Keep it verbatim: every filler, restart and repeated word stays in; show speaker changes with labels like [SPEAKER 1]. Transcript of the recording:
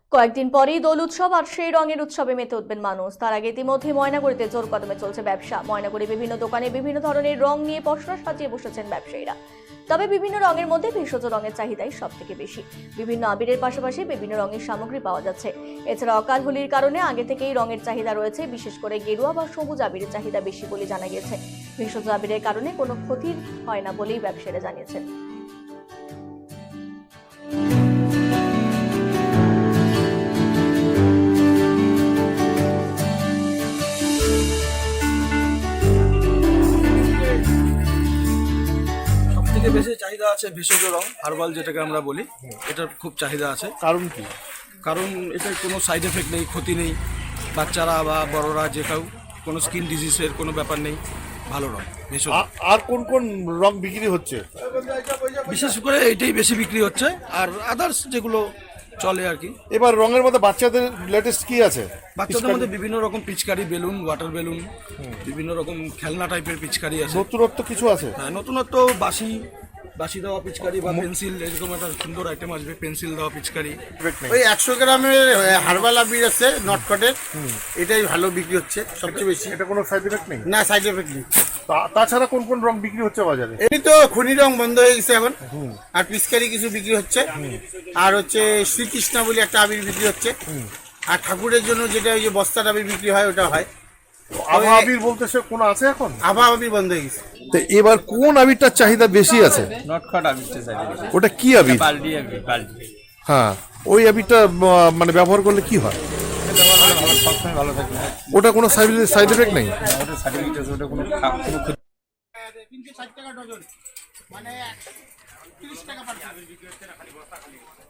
[SPEAKER 1] কয়েকদিন পরেই দোল উৎসব আর সেই রঙের উৎসবে মেতে উঠবেন মানুষ। তার আগে ইতিমধ্যে ময়নাগুড়িতে জোর কদমে চলছে ব্যবসা। ময়নাগুড়ি বিভিন্ন দোকানে বিভিন্ন ধরনের রং নিয়ে পসরা সাজিয়ে বসেছেন ব্যবসায়ীরা। তবে বিভিন্ন রঙের মধ্যে ভেষজ রঙের চাহিদাই সব থেকে বেশি। বিভিন্ন আবিরের পাশাপাশি বিভিন্ন রঙের সামগ্রী পাওয়া যাচ্ছে। এছাড়া অকাল হোলির কারণে আগে থেকেই রঙের চাহিদা রয়েছে, বিশেষ করে গেরুয়া বা সবুজ আবিরের চাহিদা বেশি বলে জানা গেছে। ভেষজ আবিরের কারণে কোনো ক্ষতি হয় না বলেই ব্যবসায়ীরা জানিয়েছেন।
[SPEAKER 2] থেকে বেশি চাহিদা আছে ভেষজ রং হার্বাল, যেটাকে আমরা বলি, এটার খুব চাহিদা আছে।
[SPEAKER 3] কারণ কি?
[SPEAKER 2] কারণ এটার কোনো সাইড এফেক্ট নেই, ক্ষতি নেই, বাচ্চারা বা বড়রা যে কেউ কোনো স্কিন ডিজিজের কোনো ব্যাপার নেই। ভালো রং ভেষজ।
[SPEAKER 3] আ- আর কোন কোন রং বিক্রি হচ্ছে?
[SPEAKER 2] বিশেষ করে এইটাই বেশি বিক্রি হচ্ছে, আর আদার্স যেগুলো চলে আর কি।
[SPEAKER 3] এবার রঙের মধ্যে বাচ্চাদের লেটেস্ট কি আছে?
[SPEAKER 2] বাচ্চাদের মধ্যে বিভিন্ন রকম পিচকারি, বেলুন, ওয়াটার বেলুন, বিভিন্ন রকম খেলনা টাইপের পিচকারি আছে।
[SPEAKER 3] নতুনত্ব কিছু আছে?
[SPEAKER 2] হ্যাঁ, নতুনত্ব বাসি বাসি দেওয়া পিচকারি বা পেন্সিল, এরকম একটা সুন্দর আইটেম আসবে, পেন্সিল দেওয়া পিচকারি।
[SPEAKER 4] ওই একশো গ্রামের হার্বাল আবির আছে নটকটের, এটাই ভালো বিক্রি হচ্ছে সবচেয়ে বেশি।
[SPEAKER 3] এটা কোনো সাইড এফেক্ট নেই?
[SPEAKER 4] না, সাইড এফেক্ট নেই।
[SPEAKER 3] তা- তাছাড়া কোন কোন রং বিক্রি হচ্ছে বাজারে?
[SPEAKER 4] এমনি তো খনি রং বন্ধ হয়ে গেছে এখন, আর পিচকারি কিছু বিক্রি হচ্ছে, আর হচ্ছে শ্রীকৃষ্ণা বলে একটা আবির বিক্রি হচ্ছে, আর ঠাকুরের জন্য যেটা ওই যে বস্তার আবির বিক্রি হয় ওটা হয়।
[SPEAKER 3] আভা আবির বলতে সে কোন আছে এখন?
[SPEAKER 4] আভা আবির বন্ধ হয়ে গেছে।
[SPEAKER 3] তো এবার কোন আবিরটার চাহিদা বেশি আছে?
[SPEAKER 5] নটখট আবিরটা চাই বেশি।
[SPEAKER 3] ওটা কি আবির?
[SPEAKER 5] বালডি আবির, বালডি।
[SPEAKER 3] হ্যাঁ, ওই আবিরটা আহ, মানে ব্যবহার করলে কি হয়?
[SPEAKER 5] এটা ব্যবহার করলে ভালো, সবসময় ভালো থাকে।
[SPEAKER 3] ওটা কোনো সাইড সাইড এফেক্ট নেই?
[SPEAKER 5] ওটা সার্টিফিকেট আছে, ওটা কোনো খা- কোনো ক্ষতি
[SPEAKER 4] তিনশো ষাট টাকা ডজন, মানে তিরিশ টাকা পার